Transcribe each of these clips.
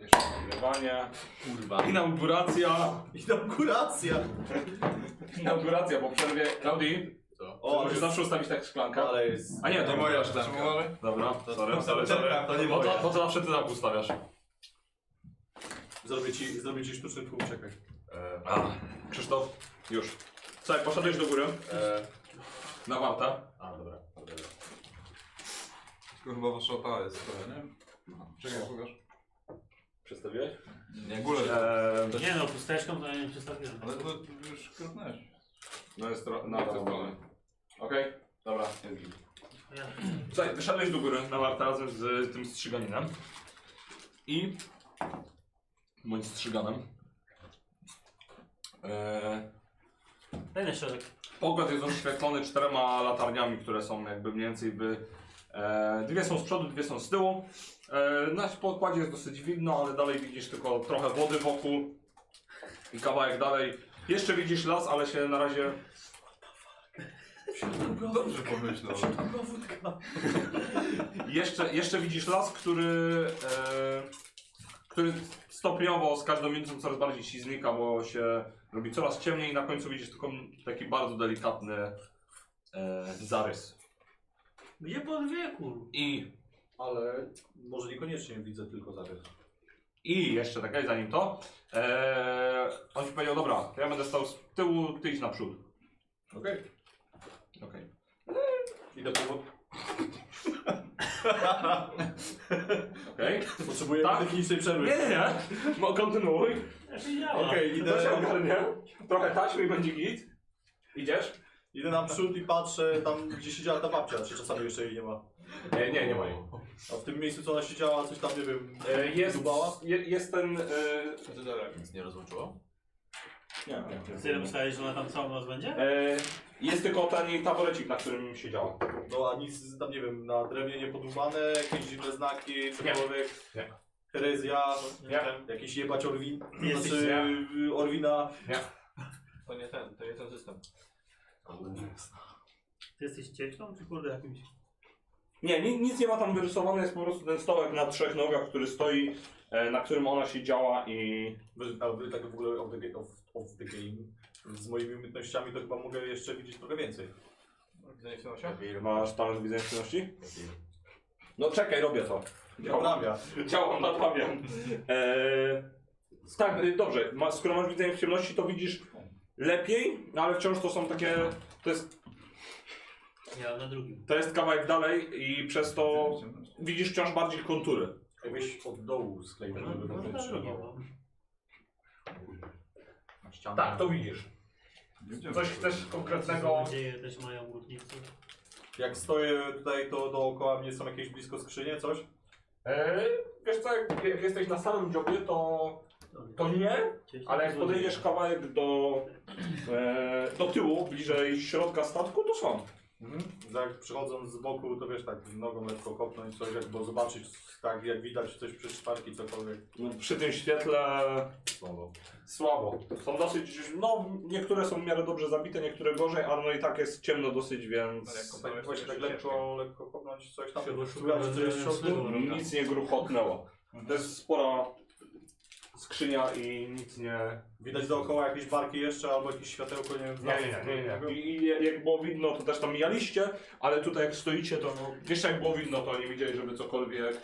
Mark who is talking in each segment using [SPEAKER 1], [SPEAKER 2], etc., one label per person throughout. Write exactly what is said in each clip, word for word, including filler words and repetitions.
[SPEAKER 1] Jeszcze nagrywanie.
[SPEAKER 2] Kurwa.
[SPEAKER 1] Inauguracja.
[SPEAKER 3] Inauguracja!
[SPEAKER 1] Inauguracja po przerwie. Klaudii,
[SPEAKER 2] Co?
[SPEAKER 3] O,
[SPEAKER 1] musisz zawsze ustawić tak szklankę.
[SPEAKER 3] ale jest...
[SPEAKER 1] A nie, to
[SPEAKER 2] Nie
[SPEAKER 1] moja
[SPEAKER 2] moja
[SPEAKER 1] szklanka.
[SPEAKER 2] szklanka.
[SPEAKER 1] Dobra, sorry, sorry, sorry.
[SPEAKER 3] To nie
[SPEAKER 1] No
[SPEAKER 3] moja.
[SPEAKER 1] to, to zawsze ty tak ustawiasz.
[SPEAKER 3] Zrobię ci, zrobię ci sztuczny tłum, czekaj.
[SPEAKER 2] E,
[SPEAKER 1] A, Krzysztof, już. Słuchaj, poszedłeś do góry.
[SPEAKER 2] e,
[SPEAKER 1] Na warta.
[SPEAKER 2] a, dobra. dobra.
[SPEAKER 4] Tylko chyba wasza ta jest trochę, nie? Czekaj, pokaż.
[SPEAKER 1] Przedstawiłeś?
[SPEAKER 4] Nie, górę.
[SPEAKER 1] Eee,
[SPEAKER 5] Nie no, pusteczką to ja nie przedstawiłem.
[SPEAKER 4] Ale to już krotnąłeś.
[SPEAKER 1] no jest tro- na tę stronę. Okej, dobra, jest git.
[SPEAKER 5] Ja.
[SPEAKER 1] Słuchaj, wyszedłeś do góry na warta razem z tym strzyganinem. I... bądź strzyganem. Eee,
[SPEAKER 5] Daj na środek.
[SPEAKER 1] Pokład jest oświetlony czterema latarniami, które są jakby mniej więcej by... E, dwie są z przodu, dwie są z tyłu. E, na pokładzie jest dosyć widno, ale dalej widzisz tylko trochę wody wokół. I kawałek dalej. Jeszcze widzisz las, ale się na razie...
[SPEAKER 4] Dobrze pomyślał.
[SPEAKER 1] Jeszcze, jeszcze widzisz las, który... E, który stopniowo z każdą minutą coraz bardziej ci znika, bo się robi coraz ciemniej i na końcu widzisz tylko taki bardzo delikatny e, zarys.
[SPEAKER 5] Gdzie pod wieku?
[SPEAKER 1] I,
[SPEAKER 3] Ale może niekoniecznie widzę tylko zarys.
[SPEAKER 1] i jeszcze tak, zanim to, e, on ci powiedział, dobra, ja będę stał z tyłu, ty idź naprzód.
[SPEAKER 3] Okej.
[SPEAKER 1] Okej.
[SPEAKER 3] Idę po...
[SPEAKER 1] Okej.
[SPEAKER 3] Potrzebuję
[SPEAKER 1] Tak?
[SPEAKER 3] technicznej przerwy.
[SPEAKER 1] Nie, nie, nie. Mo- Kontynuuj.
[SPEAKER 5] Ja się działa.
[SPEAKER 3] Okej,
[SPEAKER 1] To się
[SPEAKER 3] idę,
[SPEAKER 1] ogarnie. Trochę taśmy i będzie git. Idziesz?
[SPEAKER 3] idę naprzód i patrzę tam, gdzie siedziała ta babcia, czy czasami jeszcze jej nie ma.
[SPEAKER 1] Nie, nie, nie ma jej.
[SPEAKER 3] A w tym miejscu, co ona siedziała, coś tam, nie wiem,
[SPEAKER 1] E, jest,
[SPEAKER 3] dubała?
[SPEAKER 1] je, jest ten... E,
[SPEAKER 2] A ty dalej nic nie rozłączyło?
[SPEAKER 3] Nie, nie.
[SPEAKER 5] Ty myślałeś, że ona tam całą noc będzie?
[SPEAKER 1] e, jest tylko ten taborecik, na którym siedziała.
[SPEAKER 3] No a nic tam, nie wiem, na drewnie nie podłubane, jakieś dziwne znaki, cokolwiek.
[SPEAKER 1] Nie.
[SPEAKER 3] Herezja,
[SPEAKER 1] Nie.
[SPEAKER 3] jakiś jebać Orwin,
[SPEAKER 5] Ty jesteś-
[SPEAKER 3] znaczy Orwina.
[SPEAKER 2] To nie ten, to nie ten system.
[SPEAKER 5] Ty jesteś cieślą czy kurde jakimś?
[SPEAKER 1] Nie, ni- nic nie ma tam wyrysowane, jest po prostu ten stołek na trzech nogach, który stoi, e, na którym ona siedziała i...
[SPEAKER 3] Wy- A wy tak w ogóle of the, ga- of, of the game, z moimi umiejętnościami to chyba mogę jeszcze widzieć trochę więcej.
[SPEAKER 2] Widzenie w nosie?
[SPEAKER 1] Masz talent widzenia czynności? No czekaj, robię to.
[SPEAKER 3] Naprawia.
[SPEAKER 1] Działam, naprawiam. Eee, tak, y, dobrze, ma, skoro masz widzenie w ciemności, to widzisz lepiej, no ale wciąż to są takie... To jest,
[SPEAKER 5] Ja na drugim.
[SPEAKER 1] to jest kawałek dalej i przez to widzisz wciąż bardziej kontury.
[SPEAKER 3] Jakbyś od dołu skleił,
[SPEAKER 5] No,
[SPEAKER 3] żeby
[SPEAKER 5] no,
[SPEAKER 3] dobrze
[SPEAKER 5] na drugim.
[SPEAKER 3] trzymało.
[SPEAKER 5] no.
[SPEAKER 1] Tak, to widzisz. Coś chcesz
[SPEAKER 5] Co
[SPEAKER 1] konkretnego...
[SPEAKER 5] nadzieję też mają górnicy.
[SPEAKER 3] Jak stoję tutaj, to dookoła mnie są jakieś blisko skrzynie, coś?
[SPEAKER 1] Eee, wiesz co, jak, jak jesteś na samym dziobie, to, to nie,
[SPEAKER 5] Cieśla
[SPEAKER 1] ale jak
[SPEAKER 5] to
[SPEAKER 1] podejdziesz kawałek do, e, do tyłu, bliżej środka statku, to są.
[SPEAKER 3] Mhm. Jak przychodząc z boku, to wiesz, tak nogą lekko kopnąć coś, jak, bo zobaczyć, tak jak widać coś przy szparki, cokolwiek.
[SPEAKER 1] No, przy tym świetle
[SPEAKER 3] Słabo.
[SPEAKER 1] słabo. Są dosyć, no niektóre są w miarę dobrze zabite, niektóre gorzej, ale no i tak jest ciemno dosyć, więc
[SPEAKER 2] Ale jak
[SPEAKER 3] Tak,
[SPEAKER 2] kopnąłeś,
[SPEAKER 3] właśnie
[SPEAKER 2] to
[SPEAKER 3] tak
[SPEAKER 2] jeszcze
[SPEAKER 3] lekko, lekko kopnąć coś tam,
[SPEAKER 5] Chyba
[SPEAKER 3] szukać,
[SPEAKER 5] szukam
[SPEAKER 3] co jest w środku.
[SPEAKER 5] nocnego.
[SPEAKER 1] nic nie gruchotnęło. To jest spora skrzynia i nic nie...
[SPEAKER 3] Widać dookoła jakieś barki jeszcze, albo jakieś światełko, nie wiem,
[SPEAKER 1] Nie, nie, nie, nie, nie. I, I jak było widno, to też tam mijaliście, ale tutaj jak stoicie, to no, jeszcze jak było widno, to nie widzieli, żeby cokolwiek,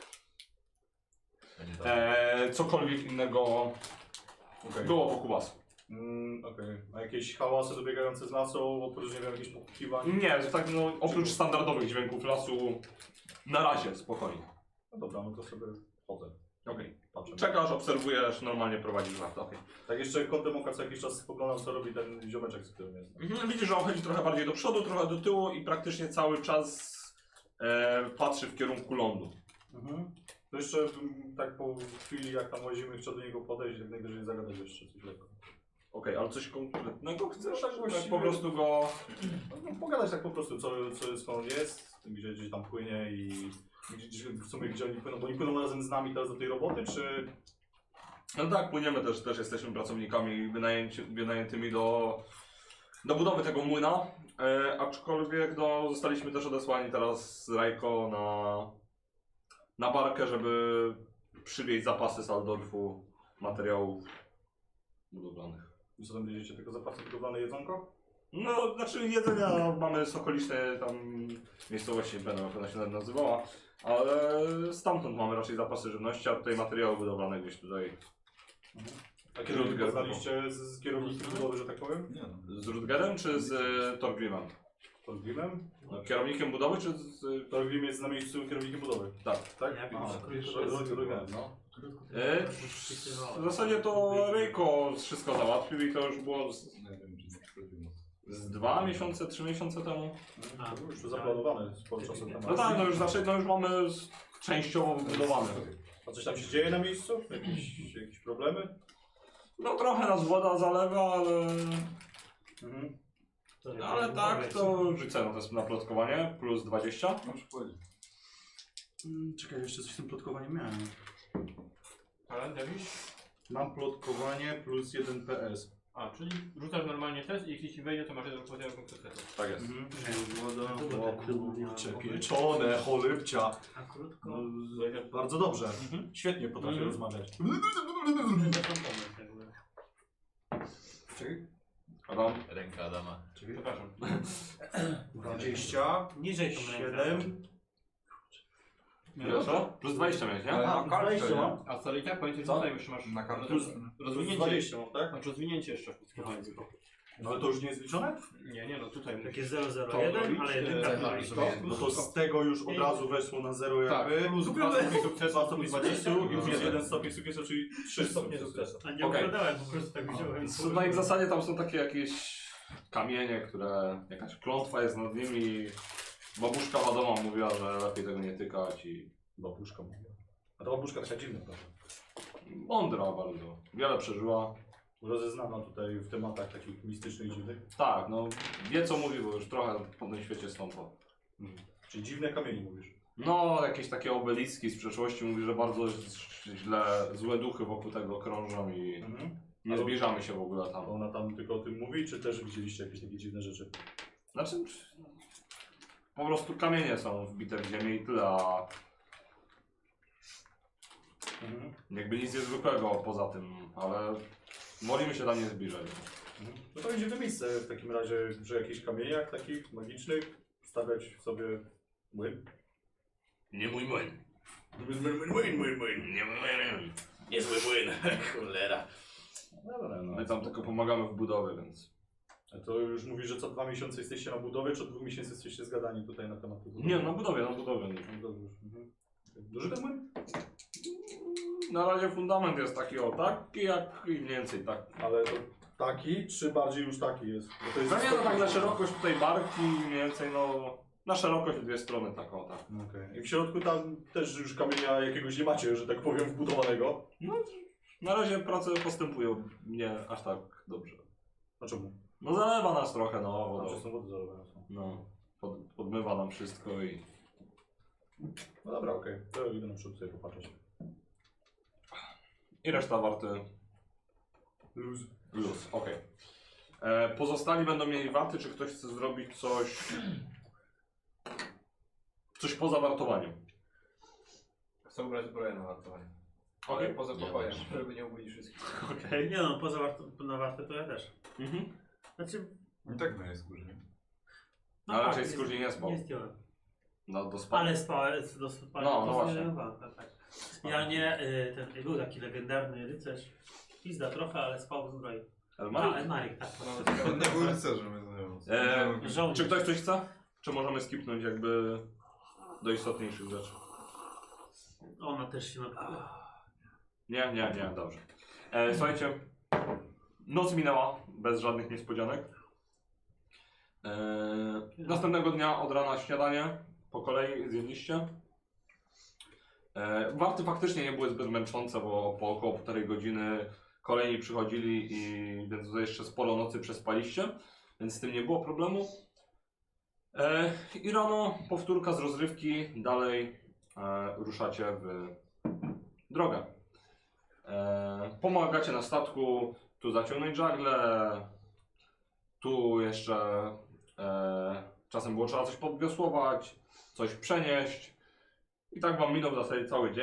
[SPEAKER 1] e, cokolwiek innego
[SPEAKER 3] Okej.
[SPEAKER 1] było wokół was.
[SPEAKER 3] Mm, okej. A jakieś hałasy dobiegające z lasu, oprócz, nie wiem, jakichś pokukiwań?
[SPEAKER 1] Nie, tak no, oprócz standardowych dźwięków lasu, na razie spokojnie.
[SPEAKER 3] No dobra, no to sobie chodzę,
[SPEAKER 1] Okej.
[SPEAKER 3] patrzę.
[SPEAKER 1] Czekasz, obserwujesz, normalnie prowadzisz warto. Okay.
[SPEAKER 3] Tak jeszcze kątem oka co jakiś czas spoglądam, co robi ten ziomeczek, z którym jest.
[SPEAKER 1] Mhm, widzisz, że on chodzi trochę bardziej do przodu, trochę do tyłu i praktycznie cały czas e, patrzy w kierunku lądu.
[SPEAKER 3] Mhm. To jeszcze mm, tak po chwili, jak tam łazimy, chcę do niego podejść, jak najwyżej zagadać jeszcze coś lekko.
[SPEAKER 1] Okej, ale coś konkretnego chcesz?
[SPEAKER 3] No tak
[SPEAKER 1] Tak
[SPEAKER 3] właściwie-
[SPEAKER 1] po prostu go...
[SPEAKER 3] No, pogadać tak po prostu, co, co skąd on jest, gdzie, gdzie tam płynie i gdzie, w sumie gdzie oni płyną, bo oni płyną razem z nami teraz do tej roboty, czy...
[SPEAKER 1] No tak, płyniemy też, też jesteśmy pracownikami wynajęci, wynajętymi do, do budowy tego młyna, e, aczkolwiek no, zostaliśmy też odesłani teraz z Rajko na, na barkę, żeby przywieźć zapasy z Aldorfu materiałów budowlanych.
[SPEAKER 3] I co tam będziecie, tylko zapasy budowlane jedzonko?
[SPEAKER 1] No, znaczy jedzenia mamy z okolicznej tam miejscowości, nie będę jak ona się nawet nazywała, ale stamtąd mamy raczej zapasy żywności, a tutaj materiały budowlane gdzieś tutaj.
[SPEAKER 3] A kiedy
[SPEAKER 1] Rutger.
[SPEAKER 3] poznaliście z, z kierownikiem budowy, że tak powiem?
[SPEAKER 4] Nie no.
[SPEAKER 1] Z Rutgerem czy z e, Torgrimem?
[SPEAKER 3] Torgrimem?
[SPEAKER 1] No, kierownikiem budowy czy z...
[SPEAKER 3] Torgrim jest na miejscu kierownikiem budowy.
[SPEAKER 1] Tak.
[SPEAKER 3] Tak?
[SPEAKER 5] Jak
[SPEAKER 3] Aha,
[SPEAKER 5] już
[SPEAKER 3] jeszcze
[SPEAKER 5] krótko
[SPEAKER 3] raz Rutger, no.
[SPEAKER 1] E, w zasadzie to Ryjko wszystko załatwił i to już było z,
[SPEAKER 4] Nie wiem, czy nie przychodzimy.
[SPEAKER 1] z dwa miesiące, trzy miesiące temu.
[SPEAKER 5] A,
[SPEAKER 3] To już zaplanowane sporo czasu temu.
[SPEAKER 1] No tak, no już znaczy, no już mamy z- częściowo wybudowane.
[SPEAKER 3] A coś tam się dzieje na miejscu? Jakieś, jakieś problemy?
[SPEAKER 1] No trochę nas woda zalewa, ale...
[SPEAKER 3] Mhm.
[SPEAKER 5] to
[SPEAKER 1] Ale tak, to rzucę na to na plotkowanie, plus dwadzieścia.
[SPEAKER 4] Możesz powiedzieć.
[SPEAKER 3] Mm, Czekaj, jeszcze coś z tym plotkowaniem miałem.
[SPEAKER 2] Talent jakiś?
[SPEAKER 3] Mam plotkowanie plus jeden P S.
[SPEAKER 2] A, czyli rzucasz normalnie test i jeśli ci wejdzie, to masz jeden poziom konkretnego.
[SPEAKER 1] Tak jest.
[SPEAKER 3] Mhm.
[SPEAKER 5] Woda.
[SPEAKER 3] O kurczę, pieczone, cholybcia.
[SPEAKER 5] A krótko.
[SPEAKER 3] No, bardzo dobrze. Świetnie potrafię
[SPEAKER 2] Mhm.
[SPEAKER 3] rozmawiać.
[SPEAKER 5] To są pomysł jakby.
[SPEAKER 3] Czekaj.
[SPEAKER 1] Adam?
[SPEAKER 2] Ręka Adama. Przepraszam.
[SPEAKER 3] dwadzieścia,
[SPEAKER 5] Niżej tą rękę.
[SPEAKER 3] siedem.
[SPEAKER 1] Ile to? Plus dwadzieścia miałeś, nie?
[SPEAKER 4] Ale
[SPEAKER 3] A,
[SPEAKER 4] na kartce,
[SPEAKER 3] dwadzieścia
[SPEAKER 4] nie?
[SPEAKER 3] mam.
[SPEAKER 2] A co i tak pamiętaj, że
[SPEAKER 3] Co?
[SPEAKER 2] tutaj jeszcze masz
[SPEAKER 4] Na kartce.
[SPEAKER 3] Plus,
[SPEAKER 2] rozwinięcie.
[SPEAKER 3] dwadzieścia mam, tak?
[SPEAKER 2] Masz rozwinięcie jeszcze w plotkowanie tylko.
[SPEAKER 3] No ale to już nie jest liczone?
[SPEAKER 2] Nie, nie, no tutaj
[SPEAKER 5] Takie
[SPEAKER 2] musisz.
[SPEAKER 5] zero zero
[SPEAKER 2] To
[SPEAKER 5] jeden,
[SPEAKER 2] robić,
[SPEAKER 5] ale
[SPEAKER 2] e,
[SPEAKER 5] jedynka
[SPEAKER 2] tak,
[SPEAKER 5] wali.
[SPEAKER 2] tak.
[SPEAKER 3] No to z tego już od razu weszło na zero
[SPEAKER 2] Tak,
[SPEAKER 3] jakby.
[SPEAKER 2] plus
[SPEAKER 3] Kupione.
[SPEAKER 2] dwa stopnie sukcesu,
[SPEAKER 3] dwa stopnie
[SPEAKER 2] plus
[SPEAKER 3] dwadzieścia i plus
[SPEAKER 4] Dobra.
[SPEAKER 3] jeden stopień sukcesu, czyli trzy stopnie sukcesu.
[SPEAKER 5] A nie
[SPEAKER 1] Okej.
[SPEAKER 5] oglądałem, po prostu tak wziąłem.
[SPEAKER 1] No i w zasadzie tam są takie jakieś kamienie, które... Jakaś klątwa jest nad nimi. Babuszka Wadoma mówiła, że lepiej tego nie tykać i...
[SPEAKER 3] Babuszka mówiła. A ta babuszka taka dziwna, prawda?
[SPEAKER 1] Mądra bardzo. Wiele przeżyła.
[SPEAKER 3] Rozeznana tutaj w tematach takich mistycznych i dziwnych.
[SPEAKER 1] Tak, no wie co mówi, bo już trochę po tym świecie stąpa.
[SPEAKER 3] Czyli dziwne kamienie mówisz.
[SPEAKER 1] No, jakieś takie obeliski z przeszłości mówi, że bardzo źle, złe duchy wokół tego krążą i
[SPEAKER 3] Mhm.
[SPEAKER 1] nie
[SPEAKER 3] Ale-
[SPEAKER 1] zbliżamy się w ogóle
[SPEAKER 3] A
[SPEAKER 1] tam.
[SPEAKER 3] ona tam tylko o tym mówi, czy też widzieliście jakieś takie dziwne rzeczy?
[SPEAKER 1] Znaczy, po prostu kamienie są wbite w ziemię i tyle, a
[SPEAKER 3] Mhm.
[SPEAKER 1] jakby nic niezwykłego poza tym, ale molimy się tam nie zbliżać.
[SPEAKER 3] Mhm. No to będzie to miejsce w takim razie, przy jakichś kamieniach takich magicznych, stawiać sobie młyn.
[SPEAKER 1] Nie mój młyn.
[SPEAKER 3] Młyn, młyn, młyn, młyn, młyn.
[SPEAKER 1] Nie mój młyn.
[SPEAKER 3] Niezły młyn, cholera. Dobra, no.
[SPEAKER 1] My tam tylko pomagamy w budowie, więc...
[SPEAKER 3] A to już mówisz, że co dwa miesiące jesteście na budowie, czy od dwóch miesięcy jesteście zgadani tutaj na temat tej budowy?
[SPEAKER 1] Nie, na budowie, na budowie.
[SPEAKER 3] No dobrze. Mhm. Duży ten młyn?
[SPEAKER 1] Na razie fundament jest taki o taki, jak i mniej więcej tak.
[SPEAKER 3] Ale to taki, czy bardziej już taki jest? Bo to jest
[SPEAKER 1] No nie, no tak na szerokość tutaj barki, mniej więcej no... Na szerokość dwie strony tak o tak.
[SPEAKER 3] Okej. I w środku tam też już kamienia jakiegoś nie macie, że tak powiem, wbudowanego.
[SPEAKER 1] Na razie prace postępują nie aż tak dobrze.
[SPEAKER 3] A czemu?
[SPEAKER 1] No zalewa nas trochę, no
[SPEAKER 3] Tam
[SPEAKER 1] wodą.
[SPEAKER 3] że są wody zalewane są.
[SPEAKER 1] No, pod, podmywa nam wszystko i...
[SPEAKER 3] No dobra, okej. To idę na przód sobie popatrzeć.
[SPEAKER 1] I reszta warty
[SPEAKER 3] Luz.
[SPEAKER 1] luz, okej. E, Pozostali będą mieli warty, czy ktoś chce zrobić coś... Coś poza wartowaniem.
[SPEAKER 2] Chcę ubrać zbroję na wartowanie.
[SPEAKER 1] Okej.
[SPEAKER 2] Ale poza pokojem, żeby nie obudzić wszystkich.
[SPEAKER 1] Okej.
[SPEAKER 5] Nie no, poza warto, na wartę to ja też.
[SPEAKER 1] Mhm.
[SPEAKER 5] Znaczy,
[SPEAKER 4] I tak no jest skórze.
[SPEAKER 5] no
[SPEAKER 1] Ale
[SPEAKER 5] tak,
[SPEAKER 1] raczej skórnie nie spał.
[SPEAKER 5] Nie zdjąłem.
[SPEAKER 1] No, do spania.
[SPEAKER 5] Ale spałem, do spania.
[SPEAKER 1] No, no właśnie.
[SPEAKER 5] Tak, tak. Ja nie, y, ten był taki legendarny rycerz. Pizda trochę, ale spał w zbroi. A,
[SPEAKER 1] Elmarik?
[SPEAKER 5] Elmarik, tak.
[SPEAKER 4] On nie był rycerzem, my znajomym.
[SPEAKER 1] E,
[SPEAKER 5] Żołnierz.
[SPEAKER 1] Czy ktoś coś chce? Czy możemy skipnąć jakby do istotniejszych rzeczy?
[SPEAKER 5] Ona też się napija.
[SPEAKER 1] Nie, nie, nie, dobrze. E, słuchajcie, noc minęła bez żadnych niespodzianek. E, następnego dnia od rana śniadanie po kolei zjedliście. E, warty faktycznie nie były zbyt męczące, bo po około półtorej godziny kolejni przychodzili i więc tutaj jeszcze sporo nocy przespaliście, więc z tym nie było problemu. E, I rano powtórka z rozrywki, dalej e, ruszacie w drogę. E, pomagacie na statku, tu zaciągnąć żagle, tu jeszcze e, czasem było trzeba coś podwiosłować, coś przenieść. I tak wam minął w zasadzie cały dzień.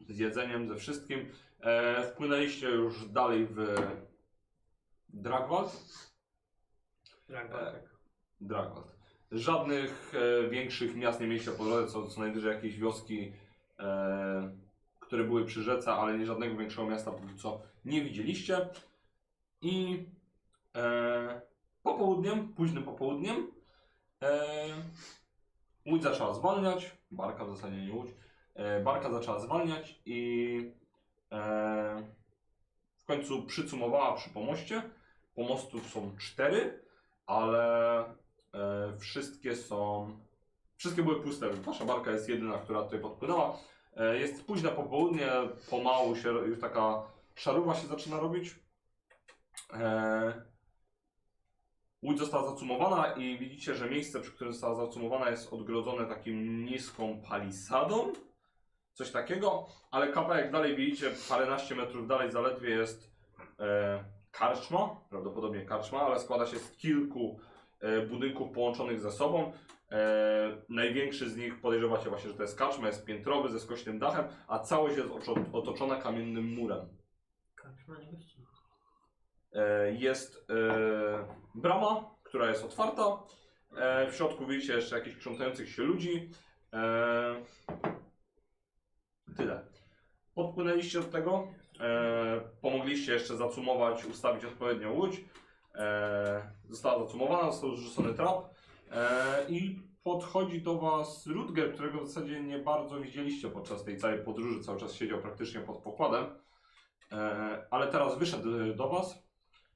[SPEAKER 1] z jedzeniem, ze wszystkim. E, wpłynęliście już dalej w Dragwald.
[SPEAKER 2] Tak,
[SPEAKER 1] E,
[SPEAKER 2] tak.
[SPEAKER 1] Dragwald. Żadnych e, większych miast nie mieliście po drodze, co, co najwyżej jakieś wioski, e, które były przy rzece, ale nie żadnego większego miasta póki co nie widzieliście. I e, popołudniem, późnym popołudniem, e, łódź zaczęła zwalniać, barka w zasadzie nie łódź, e, barka zaczęła zwalniać i e, w końcu przycumowała przy pomoście. Pomostów są cztery, ale e, wszystkie są, wszystkie były puste. Wasza barka jest jedyna, która tutaj podpłynęła. E, jest późne popołudnie, pomału się już taka szaruwa się zaczyna robić. E, Łódź została zacumowana i widzicie, że miejsce, przy którym została zacumowana, jest odgrodzone takim niską palisadą. Coś takiego, ale kawałek dalej widzicie, paręnaście metrów dalej zaledwie jest e, karczma, prawdopodobnie karczma, ale składa się z kilku e, budynków połączonych ze sobą. E, największy z nich podejrzewacie właśnie, że to jest karczma, jest piętrowy ze skośnym dachem, a całość jest oczo- otoczona kamiennym murem.
[SPEAKER 5] Karczma nie gości.
[SPEAKER 1] E, jest e, brama, która jest otwarta. E, w środku widzicie jeszcze jakichś krzątających się ludzi. E, tyle. Podpłynęliście do tego. E, pomogliście jeszcze zacumować, ustawić odpowiednią łódź. E, została zacumowana, został zrzucony trap. E, I podchodzi do Was Rutger, którego w zasadzie nie bardzo widzieliście podczas tej całej podróży. Cały czas siedział praktycznie pod pokładem. E, ale teraz wyszedł do Was.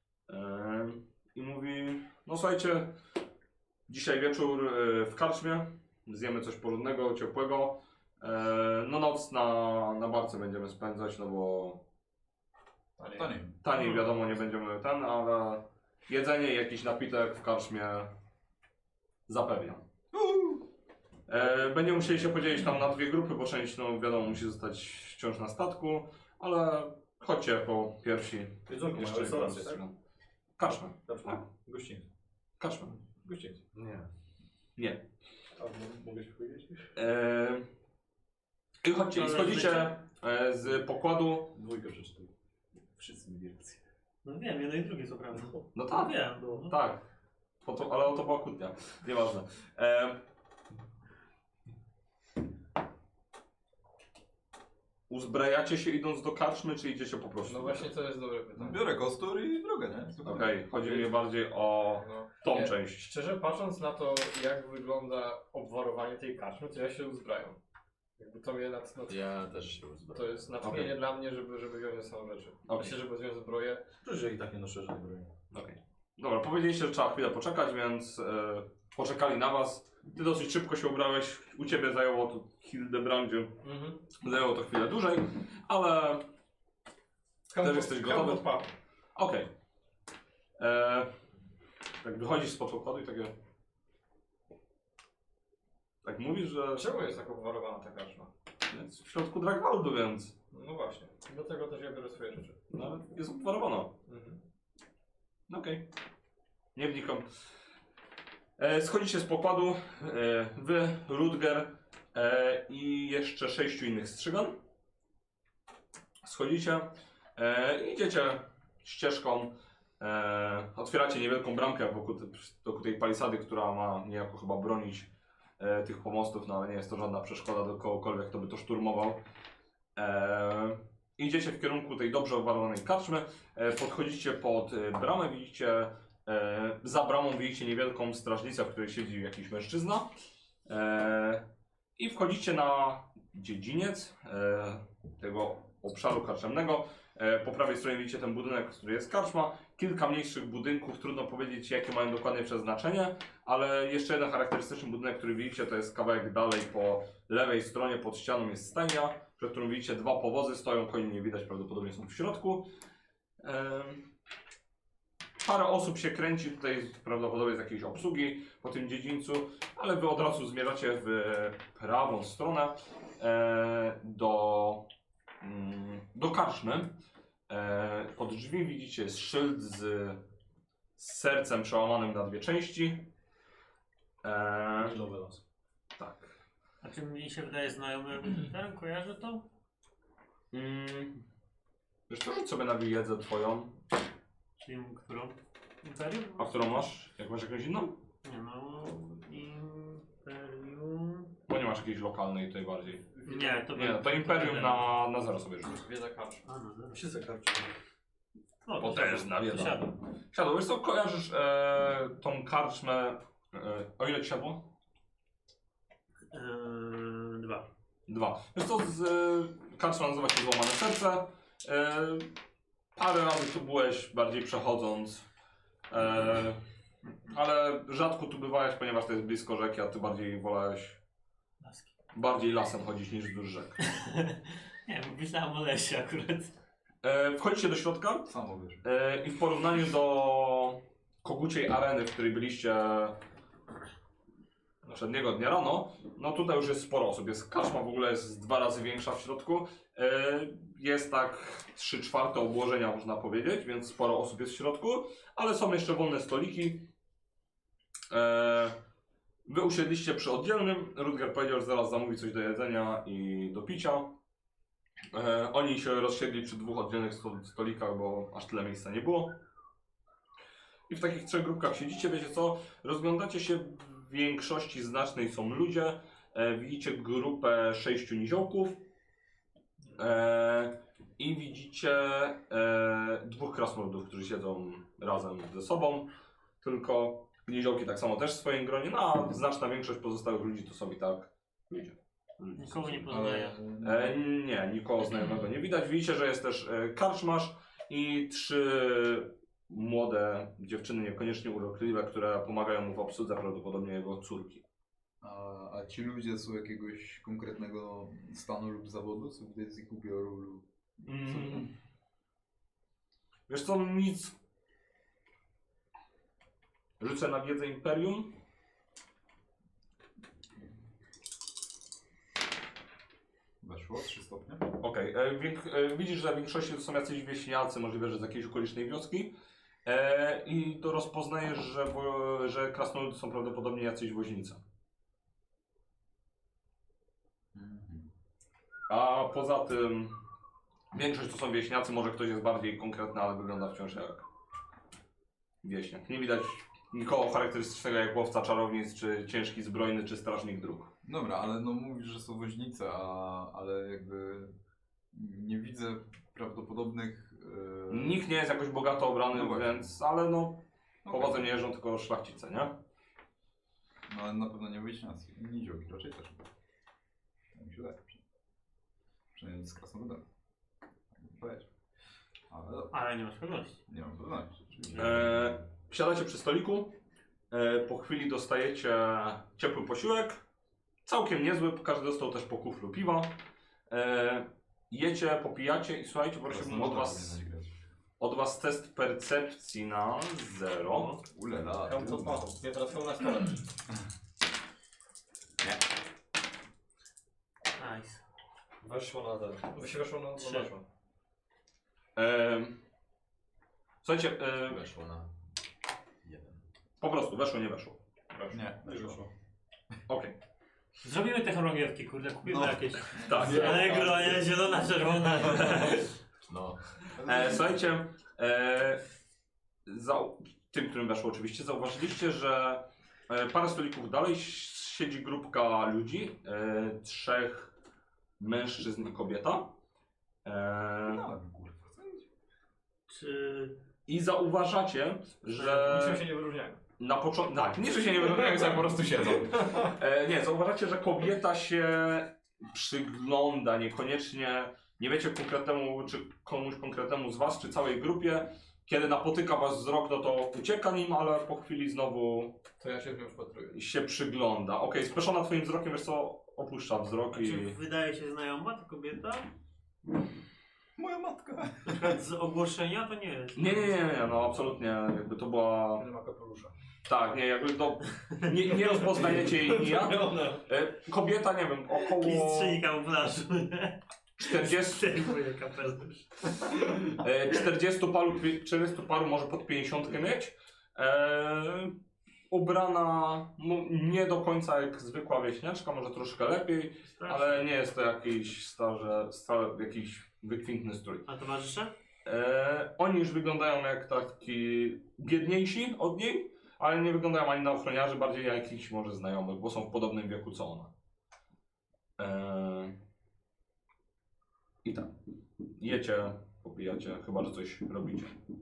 [SPEAKER 1] I mówi, no słuchajcie, dzisiaj wieczór w karczmie, zjemy coś porządnego, ciepłego. No noc na, na barce będziemy spędzać, no bo
[SPEAKER 4] Taniej.
[SPEAKER 1] taniej wiadomo nie będziemy ten, ale jedzenie i jakiś napitek w karczmie zapewniam. E, będziemy musieli się podzielić tam na dwie grupy, bo część no wiadomo musi zostać wciąż na statku, ale chodźcie jako pierwsi.
[SPEAKER 3] Jedzonko,
[SPEAKER 1] Jeszcze
[SPEAKER 3] mają restaurację, tak?
[SPEAKER 1] Karczmę.
[SPEAKER 3] Dobrze.
[SPEAKER 1] Tak.
[SPEAKER 3] Gościńcy.
[SPEAKER 1] Karczmę.
[SPEAKER 3] Gościńcy.
[SPEAKER 4] Nie.
[SPEAKER 1] Nie.
[SPEAKER 3] A m- mogę się powiedzieć?
[SPEAKER 1] Eee, I chodźcie, i
[SPEAKER 5] Ale
[SPEAKER 1] schodzicie e, z pokładu.
[SPEAKER 3] Dwójkę przeczytał. Wszyscy mieli rację.
[SPEAKER 5] No wiem, jedno i drugie co prawda.
[SPEAKER 1] No
[SPEAKER 5] No
[SPEAKER 1] tak,
[SPEAKER 5] wiem, no.
[SPEAKER 1] tak. Po to, ale o to była kłótnia. Nieważne. Eee, uzbrajacie się idąc do karczmy, czy idziecie po prostu?
[SPEAKER 6] No właśnie to jest dobre pytanie.
[SPEAKER 4] Biorę kostur i drogę, nie?
[SPEAKER 1] Okej, chodzi mi bardziej o
[SPEAKER 6] No.
[SPEAKER 1] tą
[SPEAKER 6] Nie,
[SPEAKER 1] część.
[SPEAKER 6] Szczerze patrząc na to, jak wygląda obwarowanie tej karczmy, to ja się uzbrajam. Jakby to mnie nad, nad,
[SPEAKER 7] Ja też się uzbrałem.
[SPEAKER 6] to jest natchnienie
[SPEAKER 1] Okej.
[SPEAKER 6] dla mnie, żeby, żeby wziąć ze sobą rzeczy.
[SPEAKER 1] Okej.
[SPEAKER 6] Myślę, żeby wziąć zbroję.
[SPEAKER 3] Przecież ja i tak nie noszę żadnej broni.
[SPEAKER 1] Okej. Dobra, powiedzieliście, że trzeba chwilę poczekać, więc e, poczekali na was. Ty dosyć szybko się ubrałeś. U ciebie zajęło to Hildebrandzie.
[SPEAKER 6] Mhm.
[SPEAKER 1] Zajęło to chwilę dłużej, ale Też jesteś gotowy?
[SPEAKER 6] Kampa.
[SPEAKER 1] okej. E, Tak wychodzisz spod pokładu i takie... Tak mówisz, że
[SPEAKER 6] Czemu jest tak obwarowana ta karczma?
[SPEAKER 1] jest w środku Dragwaldu, więc
[SPEAKER 6] No właśnie. Dlatego też ja biorę swoje rzeczy.
[SPEAKER 1] nawet jest obwarowana.
[SPEAKER 6] Mhm.
[SPEAKER 1] Okej. Nie wnikam. E, schodzicie z pokładu, e, wy, Rutger e, i jeszcze sześciu innych strzygan. Schodzicie e, i idziecie ścieżką. E, otwieracie niewielką bramkę wokół, te, wokół tej palisady, która ma niejako chyba bronić e, tych pomostów, no ale nie jest to żadna przeszkoda do kogokolwiek, kto by to szturmował. E, idziecie w kierunku tej dobrze obwarowanej karczmy. E, podchodzicie pod e, bramę, widzicie e, za bramą widzicie niewielką strażnicę, w której siedzi jakiś mężczyzna. E, I wchodzicie na dziedziniec e, tego obszaru karczemnego. E, po prawej stronie widzicie ten budynek, który jest karczma. Kilka mniejszych budynków, trudno powiedzieć jakie mają dokładnie przeznaczenie, ale jeszcze jeden charakterystyczny budynek, który widzicie, to jest kawałek dalej po lewej stronie pod ścianą jest stajnia, przed którą widzicie dwa powozy, stoją, koni nie widać, prawdopodobnie są w środku. Em, Parę osób się kręci tutaj, prawdopodobnie z jakiejś obsługi po tym dziedzińcu, ale wy od razu zmierzacie w prawą stronę e, do, mm, do karczmy. E, pod drzwi widzicie jest szyld z, z sercem przełamanym na dwie części. E,
[SPEAKER 3] Milowy las.
[SPEAKER 1] tak.
[SPEAKER 5] A czy mi się wydaje znajomy ten, kojarzy to?
[SPEAKER 1] Mm. Wiesz co, rzuć sobie na wiedzę twoją.
[SPEAKER 5] Czyli którą? Imperium?
[SPEAKER 1] A którą masz? Jak masz jakąś inną?
[SPEAKER 5] Nie no, Imperium...
[SPEAKER 1] Bo nie masz jakiejś lokalnej tutaj bardziej.
[SPEAKER 5] Nie, to
[SPEAKER 1] Nie, no to Imperium na, na zero sobie rzuć.
[SPEAKER 6] Wiedza karcz.
[SPEAKER 5] A, no, no.
[SPEAKER 3] Się zakarczy.
[SPEAKER 5] No,
[SPEAKER 1] Bo
[SPEAKER 5] to
[SPEAKER 1] też
[SPEAKER 5] siadł.
[SPEAKER 1] na wiedzę.
[SPEAKER 5] To siadł.
[SPEAKER 1] Siadło, wiesz co, kojarzysz e, tą karczmę, e, o ile ci siadło?
[SPEAKER 5] Eee, dwa.
[SPEAKER 1] Dwa. Wiesz co, z, e, karczma nazywa się Złamane Serce. E, parę razy tu byłeś, bardziej przechodząc. E, ale rzadko tu bywałeś, ponieważ to jest blisko rzeki, a ty bardziej wolałeś
[SPEAKER 5] Laski.
[SPEAKER 1] bardziej lasem chodzić niż wzdłuż rzek.
[SPEAKER 5] Nie, myślałem o lesie akurat.
[SPEAKER 1] E, wchodzicie do środka
[SPEAKER 4] Samo wiesz.
[SPEAKER 1] e, i w porównaniu do koguciej areny, w której byliście poprzedniego dnia rano, no tutaj już jest sporo osób. Jest karczma w ogóle jest dwa razy większa w środku. E, jest tak trzy czwarte obłożenia można powiedzieć, więc sporo osób jest w środku, ale są jeszcze wolne stoliki. E, wy usiedliście przy oddzielnym. Rutger powiedział, że zaraz zamówi coś do jedzenia i do picia. E, oni się rozsiedli przy dwóch oddzielnych sto- stolikach, bo aż tyle miejsca nie było. I w takich trzech grupkach siedzicie, wiecie co? Rozglądacie się, w większości znacznej są ludzie. E, widzicie grupę sześciu niziołków. E, I widzicie e, dwóch krasnoludów, którzy siedzą razem ze sobą. Tylko niziołki tak samo też w swoim gronie, no a znaczna większość pozostałych ludzi to są i tak ludzie. Ludzie
[SPEAKER 5] Nikogo nie
[SPEAKER 1] są-
[SPEAKER 5] poznaję.
[SPEAKER 1] E, nie, nikogo znajomego nie widać. Widzicie, że jest też e, karczmarz i trzy młode dziewczyny, niekoniecznie urokliwe, które pomagają mu w obsłudze, prawdopodobnie jego córki.
[SPEAKER 4] A, a ci ludzie są jakiegoś konkretnego stanu lub zawodu? Są widać z ich ubioru lub...
[SPEAKER 1] Mm. Wiesz co, nic. Rzucę na wiedzę Imperium.
[SPEAKER 4] Weszło? trzy stopnie?
[SPEAKER 1] Okej, e, wiek- e, widzisz, że w większości to są jacyś wieśniacy, możliwe, że z jakiejś okolicznej wioski. E, I to rozpoznajesz, że, wo, że krasnoludy są prawdopodobnie jacyś woźnicy.
[SPEAKER 4] Mhm.
[SPEAKER 1] A poza tym większość to są wieśniacy, może ktoś jest bardziej konkretny, ale wygląda wciąż jak wieśniak. Nie widać nikogo charakterystycznego jak łowca czarownic, czy ciężki zbrojny, czy strażnik dróg.
[SPEAKER 4] Dobra, ale no mówisz, że są woźnice, a, ale jakby nie widzę prawdopodobnych... Yy...
[SPEAKER 1] Nikt nie jest jakoś bogato obrany,
[SPEAKER 4] No właśnie.
[SPEAKER 1] więc, ale no,
[SPEAKER 4] Okej.
[SPEAKER 1] powodzem nie jeżdżą tylko szlachcice, nie?
[SPEAKER 4] No ale na pewno nie wyjśniacy. Niziołki raczej też. Tak mi się wydaje. Przynajmniej z krasnoludem. Tak bym powiedział. Ale dobra,
[SPEAKER 5] Ale nie masz pewności.
[SPEAKER 4] nie mam pewności. Oczywiście.
[SPEAKER 1] E, siadacie przy stoliku, e, po chwili dostajecie ciepły posiłek, całkiem niezły, każdy dostał też po kuflu piwa. E, jecie, popijacie i słuchajcie, prosiłbym od was,
[SPEAKER 4] Powinnaś grać.
[SPEAKER 1] od was test percepcji na zero.
[SPEAKER 4] Ulela.
[SPEAKER 6] Hełm to smaku. Nie, teraz hełm na stole.
[SPEAKER 5] Nice.
[SPEAKER 6] Weszło na zero. Wy się weszło na
[SPEAKER 5] Trzy.
[SPEAKER 6] no weszło.
[SPEAKER 1] E, słuchajcie, e,
[SPEAKER 4] Weszło na jeden.
[SPEAKER 1] po prostu weszło, nie weszło.
[SPEAKER 4] Nie,
[SPEAKER 3] Nie wyszło.
[SPEAKER 1] Okej.
[SPEAKER 5] Zrobimy te chorągiewki, kurde, kupimy
[SPEAKER 4] No.
[SPEAKER 5] jakieś.
[SPEAKER 1] Tak.
[SPEAKER 5] Allegro, nie? Zielona, czerwona.
[SPEAKER 4] No.
[SPEAKER 1] E, słuchajcie, e, za, tym, którym weszło oczywiście, zauważyliście, że e, parę stolików dalej siedzi grupka ludzi, e, trzech mężczyzn i kobieta. E,
[SPEAKER 4] No, kurwa.
[SPEAKER 5] Czy...
[SPEAKER 1] I zauważacie, że
[SPEAKER 6] Niczym się nie wyróżniają.
[SPEAKER 1] na początku, tak, nie, że się nie wyróżniają, jak po prostu siedzą. E, nie, zauważacie, że kobieta się przygląda, niekoniecznie, nie wiecie konkretnemu, czy komuś konkretnemu z was, czy całej grupie. Kiedy napotyka was wzrok, no to ucieka nim, ale po chwili znowu
[SPEAKER 6] To ja się w nią wpatruję.
[SPEAKER 1] się przygląda. Okej, speszona twoim wzrokiem, wiesz co, opuszcza wzrok i...
[SPEAKER 5] Czy wydaje się znajoma ta kobieta?
[SPEAKER 4] Moja matka.
[SPEAKER 5] Na przykład z ogłoszenia to nie jest.
[SPEAKER 1] Nie, nie, nie, nie, no absolutnie, jakby to była...
[SPEAKER 6] Nie ma kapelusza.
[SPEAKER 1] Tak, nie, jakby to... Nie, nie rozpoznajecie jej nijak. E, Kobieta, nie wiem, około
[SPEAKER 5] Mistrzyni kamuflażu, nie?
[SPEAKER 1] czterdziestu,
[SPEAKER 5] Zdejmuje kapelusz.
[SPEAKER 1] e, czterdziestu paru, czterdziestu paru, może pod pięćdziesiątkę mieć. E, ubrana no, nie do końca jak zwykła wieśniaczka, może troszkę lepiej, ale nie jest to jakiś starze, stale, jakiś wykwintny strój.
[SPEAKER 5] A towarzysze?
[SPEAKER 1] E, oni już wyglądają jak taki biedniejsi od niej, ale nie wyglądają ani na ochroniarzy, bardziej jak jakichś może znajomych, bo są w podobnym wieku co ona. E, I tak. Jecie, popijacie, chyba że coś robicie.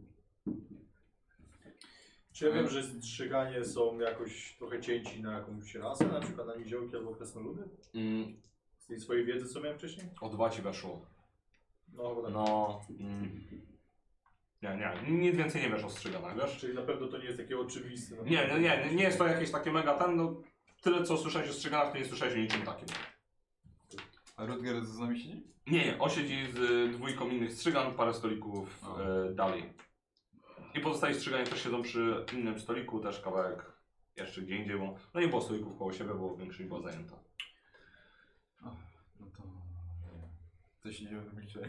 [SPEAKER 3] Czy ja wiem, że strzyganie są jakoś trochę cięci na jakąś rasę, na przykład na niziołki albo krasnoludy?
[SPEAKER 1] Mm,
[SPEAKER 3] Z tej swojej wiedzy, co miałem wcześniej?
[SPEAKER 1] o dwa ci weszło.
[SPEAKER 3] No chyba tak.
[SPEAKER 1] No. Mm, nie, nie, nic więcej nie wiesz o strzyganach, wiesz?
[SPEAKER 3] Czyli na pewno to nie jest takie oczywiste. No.
[SPEAKER 1] Nie, nie, nie, nie jest to jakieś takie mega ten, no tyle co słyszałeś o strzyganach, to nie słyszałeś o niczym takim.
[SPEAKER 4] A Rutger z nami siedzi?
[SPEAKER 1] Nie, nie, on siedzi z y, dwójką innych strzygan, parę stolików
[SPEAKER 4] A.
[SPEAKER 1] y, dalej. I pozostali strzyganie też siedzą przy innym stoliku, też kawałek jeszcze gdzie indziej, bo no nie było stolików koło siebie, bo większość była zajęta.
[SPEAKER 4] Ach, no to... Coś idziemy w milczeniu.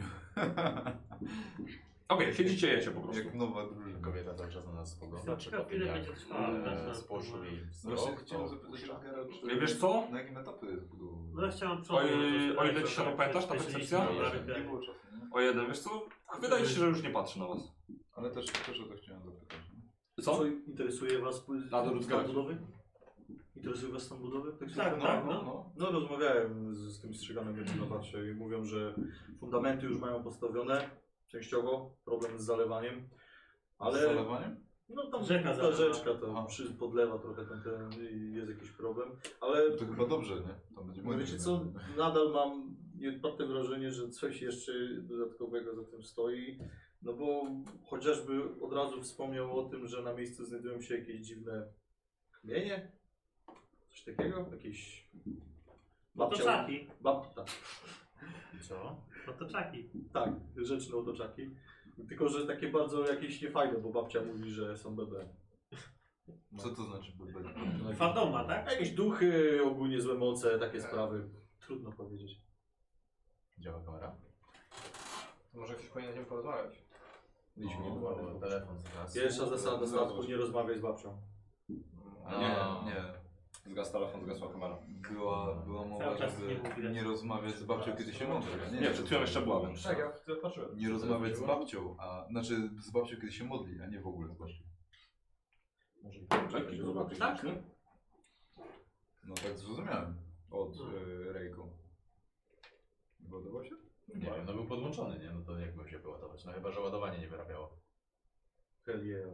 [SPEAKER 1] Okej, siedzicie, jecie po prostu.
[SPEAKER 4] Jak nowa drużyna.
[SPEAKER 7] Kobieta cały czas na nas spogląda, czy
[SPEAKER 5] Ciekawe,
[SPEAKER 7] po tym
[SPEAKER 5] ile
[SPEAKER 7] jak
[SPEAKER 5] będzie trwało,
[SPEAKER 7] e,
[SPEAKER 5] wiesz,
[SPEAKER 7] spłoszył jej
[SPEAKER 4] No właśnie
[SPEAKER 7] wzrok,
[SPEAKER 4] chciałem
[SPEAKER 7] to
[SPEAKER 4] zapytać
[SPEAKER 7] puszcza.
[SPEAKER 4] Rutgera, czy...
[SPEAKER 1] Nie wiesz co?
[SPEAKER 4] Na jakim etapie jest budowa?
[SPEAKER 5] No ja chciałem
[SPEAKER 1] O ile-
[SPEAKER 5] to
[SPEAKER 1] o ile
[SPEAKER 5] to-
[SPEAKER 1] ci się
[SPEAKER 5] to-
[SPEAKER 1] pamiętasz ta
[SPEAKER 5] to-
[SPEAKER 1] percepcja?
[SPEAKER 5] to-
[SPEAKER 4] Nie,
[SPEAKER 5] to-
[SPEAKER 4] nie było czasu, nie?
[SPEAKER 1] O jeden, wiesz co? Wydaje ci się, że już nie patrzy na was.
[SPEAKER 4] Ale też, też o to chciałem zapytać. nie?
[SPEAKER 1] Co?
[SPEAKER 3] Co interesuje was
[SPEAKER 1] Na do
[SPEAKER 3] stan
[SPEAKER 1] Rutgera.
[SPEAKER 3] budowy? Interesuje was stan budowy? Tak,
[SPEAKER 5] Tak,
[SPEAKER 3] no,
[SPEAKER 5] tak,
[SPEAKER 3] no.
[SPEAKER 5] no.
[SPEAKER 3] No rozmawiałem z, z tym strzyganem, jak na patrzę i mówią, że fundamenty już mają postawione, częściowo, problem z zalewaniem, ale
[SPEAKER 4] Z zalewaniem?
[SPEAKER 3] no tam
[SPEAKER 5] Rzeka
[SPEAKER 3] ta
[SPEAKER 5] zalewa.
[SPEAKER 3] rzeczka to
[SPEAKER 4] Aha.
[SPEAKER 3] przy, podlewa trochę ten, ten i jest jakiś problem, ale
[SPEAKER 4] To chyba dobrze, nie? To będzie
[SPEAKER 3] no
[SPEAKER 4] modnie,
[SPEAKER 3] wiecie
[SPEAKER 4] nie?
[SPEAKER 3] co, nadal mam nieodparte wrażenie, że coś jeszcze dodatkowego za tym stoi, no bo chociażby od razu wspomniał o tym, że na miejscu znajdują się jakieś dziwne kamienie, coś takiego, jakieś
[SPEAKER 5] Otoczaki.
[SPEAKER 3] bab, tak,
[SPEAKER 7] Co?
[SPEAKER 5] Otoczaki.
[SPEAKER 3] tak, rzeczne otoczaki, tylko że takie bardzo jakieś niefajne, bo babcia mówi, że są bebe.
[SPEAKER 4] Co to znaczy bebe?
[SPEAKER 5] Fantoma, tak?
[SPEAKER 3] Jakieś duchy, ogólnie złe moce, takie sprawy, trudno powiedzieć.
[SPEAKER 7] Działa kamera?
[SPEAKER 6] To może ktoś powinien z nią porozmawiać.
[SPEAKER 3] Mieliśmy nie
[SPEAKER 7] O,
[SPEAKER 3] było.
[SPEAKER 7] telefon zaraz.
[SPEAKER 3] Pierwsza zasada statku, nie rozmawiaj z babcią.
[SPEAKER 4] A nie, nie.
[SPEAKER 1] Zgasł telefon, zgasła kamera.
[SPEAKER 4] Była, była mowa,
[SPEAKER 5] Cały czas
[SPEAKER 4] żeby
[SPEAKER 5] nie było widać.
[SPEAKER 4] nie rozmawiać z babcią, kiedy się modli. a
[SPEAKER 1] Nie, przed chwilą jeszcze była, więc...
[SPEAKER 6] Tak, ja wtedy patrzyłem.
[SPEAKER 4] Nie rozmawiać z babcią, a znaczy z babcią, kiedy się modli, a nie w ogóle z babcią.
[SPEAKER 3] Może
[SPEAKER 1] Czekaj, zobaczyć.
[SPEAKER 5] Tak?
[SPEAKER 4] No tak zrozumiałem od
[SPEAKER 5] No.
[SPEAKER 4] y, Rejku. Wyładował się?
[SPEAKER 7] Nie wiem, no był podłączony, nie? No to jak miał się wyładować? No chyba, że ładowanie nie wyrabiało.
[SPEAKER 3] Hell yeah.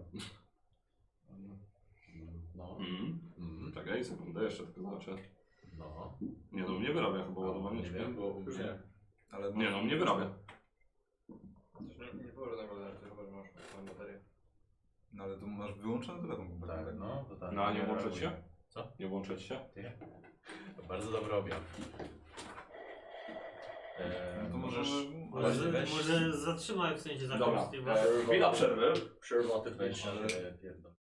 [SPEAKER 7] No.
[SPEAKER 1] Mm.
[SPEAKER 7] Mm.
[SPEAKER 1] Czekaj, sekundę, jeszcze tylko zobaczę.
[SPEAKER 7] No.
[SPEAKER 1] Nie no, mnie wyrabia chyba ładowanie.
[SPEAKER 7] Nie
[SPEAKER 1] czy
[SPEAKER 7] wiem, bo u
[SPEAKER 3] Już
[SPEAKER 7] mnie...
[SPEAKER 3] nie.
[SPEAKER 4] Ale
[SPEAKER 1] Nie no, mnie wyrabia.
[SPEAKER 6] Coś nie, nie było żadnego alertu, chyba że masz swoją baterię.
[SPEAKER 4] No ale to masz wyłączony telefon kompletnie.
[SPEAKER 7] Tak, no. To tak.
[SPEAKER 1] No a nie włączyć się?
[SPEAKER 7] Co?
[SPEAKER 1] Nie włączyć się?
[SPEAKER 7] To bardzo dobry objaw. Eee,
[SPEAKER 4] No to
[SPEAKER 7] możesz...
[SPEAKER 4] może...
[SPEAKER 5] Może,
[SPEAKER 7] weź-
[SPEAKER 5] może zatrzymaj w sensie
[SPEAKER 1] Dobra,
[SPEAKER 5] zakres.
[SPEAKER 1] e, chwila przerwy.
[SPEAKER 3] Przerwa te
[SPEAKER 7] Weź
[SPEAKER 3] ale...
[SPEAKER 7] ale... pierdol.